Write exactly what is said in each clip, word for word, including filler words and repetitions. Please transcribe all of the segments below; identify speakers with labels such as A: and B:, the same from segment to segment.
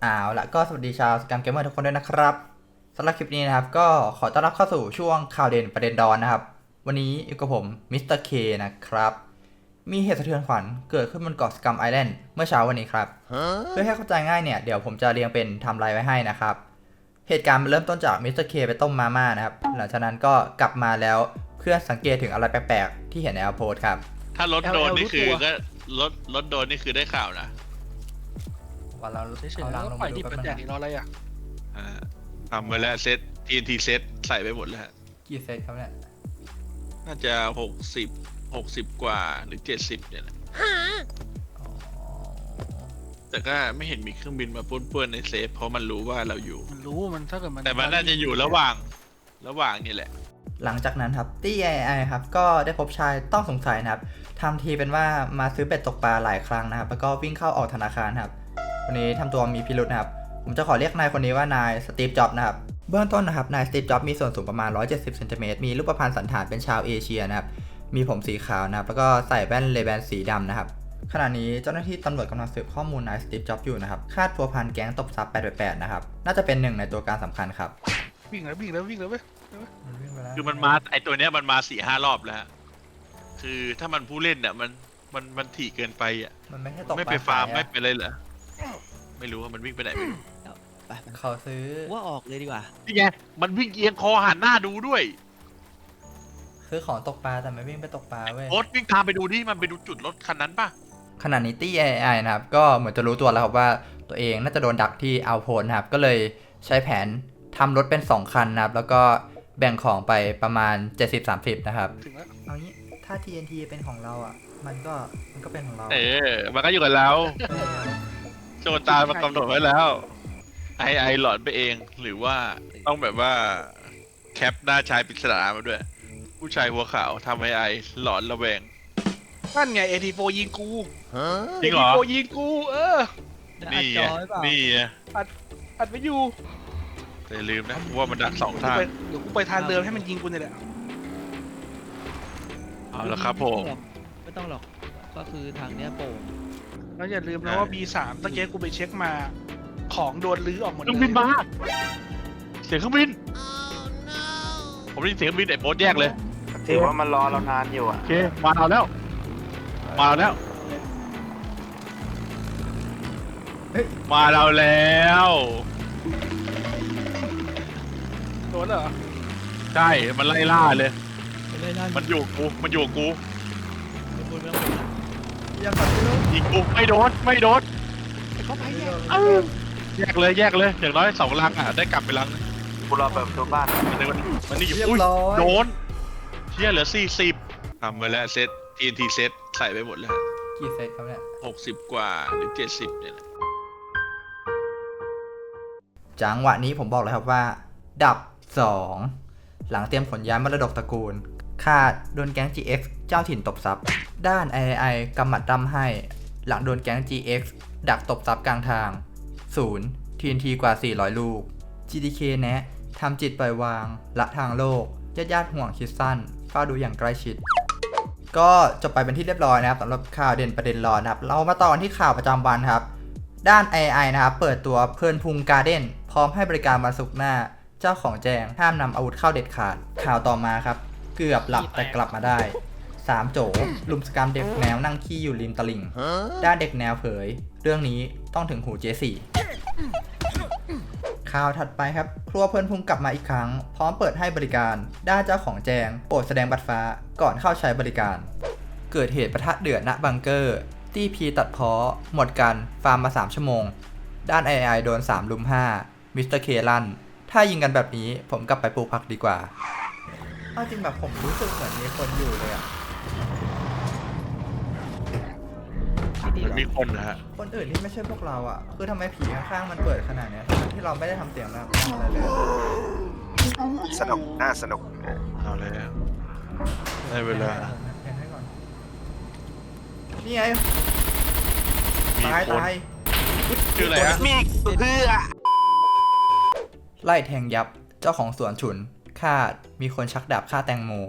A: อ้าวละก็สวัสดีชาวสแกมเกมเมอร์ทุกคนด้วยนะครับสำหรับคลิปนี้นะครับก็ขอต้อนรับเข้าสู่ช่วงข่าวเด่นประเด็นดอนนะครับวันนี้อยู่กับผมมิสเตอร์เคนะครับมีเหตุสะเทือนขวัญเกิดขึ้นบนเกาะสกัมไอแลนด์เมื่อเช้าวันนี้ครับ huh? เพื่อให้เข้าใจง่ายเนี่ยเดี๋ยวผมจะเรียงเป็นไทม์ไลน์ไว้ให้นะครับเหตุการณ์มันเริ่มต้นจากมิสเตอร์เคไปต้มมาม่านะครับหลังจากนั้นก็กลับมาแล้วเพื่อนสังเกตถึงอะไรแปลกๆที่เห็นในอัลโพสครับ
B: ถ้ารถโดนนี่คือก็รถรถโดนนี่คือได้ข่าวนะ
A: วันเรา
C: เฉยๆแล้วปล่อยดิบมันแจกอีกรออะไรอ่ะ
B: ทำไปแล้วเซต ที เอ็น ที เซตใส่ไปหมดแล้ว
A: กี่เซตครับเนี่ย
B: น่าจะหกสิบหกสิบกว่าหรือเจ็ดสิบเนี่ยแหละแต่ก็ไม่เห็นมีเครื่องบินมาป้วนๆในเซฟเพราะมันรู้ว่าเราอยู่
C: มันรู้มันถ้าเกิดมัน
B: แต่มันน่าจะอยู่ระหว่างระหว่างนี่แหละ
A: หลังจากนั้นครับตี้ เอ ไอ ครับก็ได้พบชายต้องสงสัยนะครับทำทีเป็นว่ามาซื้อเบ็ดตกปลาหลายครั้งนะครับแล้วก็วิ่งเข้าออกธนาคารครับวันนี้ทำตัวมีพิรุธนะครับผมจะขอเรียกนายคนนี้ว่านายสตีฟจ็อบส์นะครับเบื้องต้นนะครับนายสตีฟจ็อบส์มีส่วนสูงประมาณหนึ่งร้อยเจ็ดสิบเซนติเมตรมีรูปพรรณสันฐานเป็นชาวเอเชียนะครับมีผมสีขาวนะครับแล้วก็ใส่แว่นเลแบนสีดำนะครับขณะนี้เจ้าหน้าที่ตำรวจกำลังสืบข้อมูลนายสตีฟจ็อบส์อยู่นะครับคาดพัวพันแก๊งตบทรัพย์แปดแปดแปดนะครับน่าจะเป็นหนึ่งในตัวการสำคัญครับ
C: วิ่งแล้ววิ่งแล้ววิ่งแล้วเว้ย
B: คือมันมาไอตัวเนี้ยมันมาสี่ห้ารอบแล้วคือถ้ามันผู้เล่นเนี่ยมันมันมันถี่เกินไปอ่ะ
A: มันไม่ใช่ตก
B: ไม่ไปฟาร์มไม่ไปเลยเหรอไม่รู้ว่ามันวิ่งไปไหนไม่รู้
A: เขาซื้อ
D: ว่าออกเลยดีกว่า
B: นี่ไงมันวิ่งเอียงคอหันหน้าดูด้วย
A: ซื้อของตกปลาแต่ไม่วิ่งไปตกปลาเว้ย
B: โอ๊ตวิ่งตามไปดูดิมันไปดูจุดรถคันนั้นป่ะ
A: ขณะนี้ตี้ เอ ไอ นะครับก็เหมือนจะรู้ตัวแล้วครับว่าตัวเองน่าจะโดนดักที่เอาโพนครับก็เลยใช้แผนทำรถเป็นสองคันนะครับแล้วก็แบ่งของไปประมาณ เจ็ดสิบ สามสิบ นะครับเอางี้ถ้า ที เอ็น ที เป็นของเราอ่ะมันก็มันก็เป็นของเรา
B: เออมันก็อยู่กับเราโจตามันกำหนดไว้แล้วไอไอหลอนไปเองหรือว่าต้องแบบว่าแคปหน้าชายปริศนามาด้วยผู้ชายหัวขาวทำไอไอหลอนระแวง
C: นั่นไง เอ ที โฟร์ ยิงกู
B: จริงเหรอ
C: เอ ที โฟร์ ยิงกูเออ
B: นี่นี่
C: อัดอัดไปอยู่
B: แต่ลืมนะว่ามันดักสองทาง
C: เดี๋ยวกูไปทางเดิมให้มันยิงกูนี่แหละ
B: เอาละครับผม
D: ไม่ต้องหรอกก็คือทางเนี้ยโป่ง
C: แล้วอย่าลืมนะว่า บี สาม ตะเกียกูไปเช็คมาของโดนลื้อออกหมดเลย
B: เครื่องบินมาเสียงเครื่องบินผมได้ยินเสียงเครื่องบินไอ้โบ๊ทแยกเลย
E: ถือว่ามันรอเรานานอยู่อ่ะ
B: โอเคมาเอาแล้วมาเอาแล้วมาเราแล้ว
C: โดนเหรอ
B: ใช่มันไล่ล่าเลยมันอยู่กูมันอยู่กูยิงกูไม่โดนไม่โดน
C: เขาไปแยก
B: แยกเลยแยกเลยอย่างน้อยสองลังอ่ะได้กลับไปลัง
E: กูรอเปิดตัวบ้าน
B: มันมันนี่อยู่อุ้ยโดนเชี่ยเหลือสี่สิบทำไปแล้วเซต ที เอ็น ที เซตใส่ไปหมดแล้ว
A: กี่เซตครับเนี่ย
B: หกสิบกว่าหรือเจ็ดสิบเนี่ย
A: จังหวะนี้ผมบอกเลยครับว่าดับสองหลังเตรียมขนย้ายมรดกตระกูลคาดโดนแก๊ง จี เอ็กซ์ เจ้าถิ่นตบทรัพย์ด้าน ไอ ไอ กำหมัดดำให้หลังโดนแก๊ง จี เอ็กซ์ ดักตบทรัพย์กลางทางศูนย์ ที เอ็น ที กว่าสี่ร้อยลูก จี ดี เค แนะทำจิตปล่อยวางละทางโลกญาติญาติห่วงคิดสั้นเฝ้าดูอย่างใกล้ชิดก็จบไปเป็นที่เรียบร้อยนะครับสำหรับข่าวเด่นประเด็นร้อนนะครับเรามาต่อที่ข่าวประจำวันครับด้าน ไอ ไอ นะครับเปิดตัวเพลินพุงการ์เด้นพร้อมให้บริการวันศุกร์หน้าเจ้าของแจงห้ามนำอาวุธเข้าเด็ดขาดข่าวต่อมาครับเกือบหลับแต่กลับมาได้สามโจลุมสกรรมเด็กแนวนั่งขี้อยู่ริมตลิ่งด้านเด็กแนวเผยเรื่องนี้ต้องถึงหูเจสี่ข่าวถัดไปครับครัวเพลินพุงกลับมาอีกครั้งพร้อมเปิดให้บริการด้านเจ้าของแจงโปรดแสดงบัตรฟ้าก่อนเข้าใช้บริการเกิดเหตุปะทะเดือดณบังเกอร์ตี้พีตัดพ้อหมดกันฟาร์มมาสามชั่วโมงด้าน ไอ ไอ โดนสามลุมห้ามิสเตอร์เคลันถ้ายิงกันแบบนี้ผมกลับไปปลูกผักดีกว่าเอาจริงแบบผมรู้สึกเหมือนมีคนอยู่เลยอะ
B: มันมีคนนะฮะ
A: คนอื่นที่ไม่ใช่พวกเราอะคือทำไมผีข้างๆมันเปิดขนาดนี้ทั้งที่เราไม่ได้ทำเสียงนะอะไรเลย
E: สนุกน่าสนุก
B: เอาเลยได้เวลา
A: นี่ไงตายตาย
B: ชื่ออะไรฮะ
E: มีเพื่อ
A: ไล่แทงยับเจ้าของสวนฉุนคาดมีคนชักดาบฆ่าแตงโม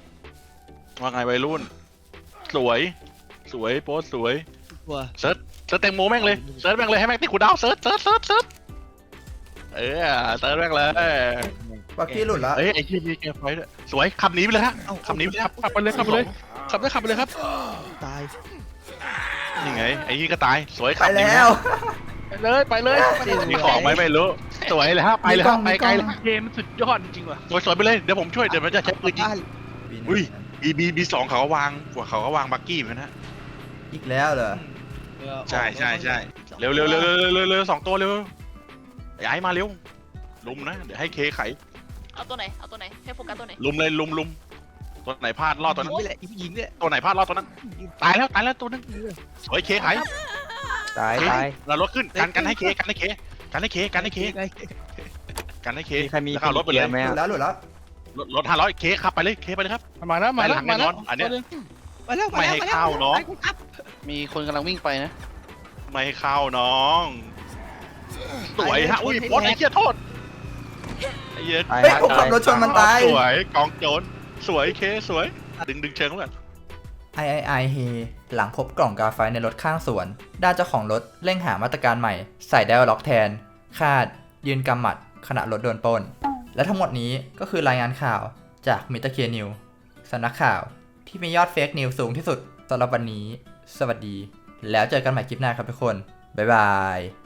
B: ว่าไงวัยรุ่นสวยสวยโพสสวย
D: ตัว
B: เซิร์ชซิร์ชแตงโมแม่งเลยเซิร์ชแม่งเลยให้แม่งติดกูดาวเซิร์ชเซิร์ชเซิร์ชเซิร์ชเออเซิร์ชแม่งเลย
A: บักกี้หลุดแล้ว
B: เอ้ยไอ้ที่มีเกมไฟด้วยสวยขับหนีไปเลยฮะขับหนีไปเลยครับ
C: ขับไปเลยขับไปเลยขับได้ขับไปเลยครับ
D: ตาย
B: นี่ไงไอ้นี่ก็ตายสวย
A: ไป
B: ขับหนี
A: แล้ว
C: ไปเลยไปเลย
B: มีของไหมไม่รู้สวยเลยฮะไปเลยฮะไปไกลเลย
C: เกมมันสุดยอดจริงๆว่ะ
B: สวยสวยไปเลยเดี๋ยวผมช่วยเดี๋ยวมันจะใช้ปืนยิง อุ้ย บีบีบีสองเขาก็วางเขาก็วางบักกี้เหมือนกันนะ
A: อีกแล้วเหรอ
B: ใช่ใช่ใช่เร็วเร็วเร็วเร็วเร็วเร็วสองตัวเร็วย้ายมาเร็วลุมนะเดี๋ยวให้เคไข
F: เอาตัวไหน เอาตัวไหน ให้โฟกัสตัวไหน
B: ลุมเลยลุมลุมตัวไหนพลาดรอดตัวนั้น
D: นี่แหละอีผู้หญิงเนี่ย
B: ตัวไหนพลาดรอดตัวนั้นตายแล้วตายแล้วตัวนึงสวยเคไข
G: ตาย
B: เค
G: ตาย
B: เรารถขึ้นกันกันให้เคกันให้เคกันให้เคกันให้เค
D: ไง
B: กันให้เค
G: มีใครมี
B: แล้วก็เอารถไปเลย
G: ไหม
A: หลุดแล้วหลุดแล้ว
B: รถรถห้าร้อยเคขับไปเลยเคไปเลยครับ
C: มาแล้วมาแล้ว
B: ไปหลัง
C: มาแล้ว
B: แน่นอนอันเนี้ย
D: มาแล้ว
B: ไม่ให้เข้าน้อง
H: มีคนกำลังวิ่งไปนะ
B: ไม่ให้เข้าน้องสวยฮะอุ้ยโพสไอ้เหี้ยโทษไอ้เหี้ย
G: ตาย
A: เฮ้ย
G: ฮะ
A: ผมขั
G: ตา
A: บ
G: ย
A: รถชนมันตาย
B: สวยกองโจรสวยเคสวยดึงดึงเชิงก่อน
A: ไอไอไอเฮหลังพบกล่องกาไฟในรถข้างสวน ด้านเจ้าของรถเร่งหามาตรการใหม่ ใส่ไดอะล็อกแทน คาด ยืนกำหมัดขณะรถโดนปล้น และทั้งหมดนี้ก็คือรายงานข่าวจากมิตรเคียนิวสำนักข่าวที่มียอดเฟกนิวสูงที่สุดสำหรับวันนี้ สวัสดี แล้วเจอกันใหม่คลิปหน้าครับทุกคน บ๊ายบาย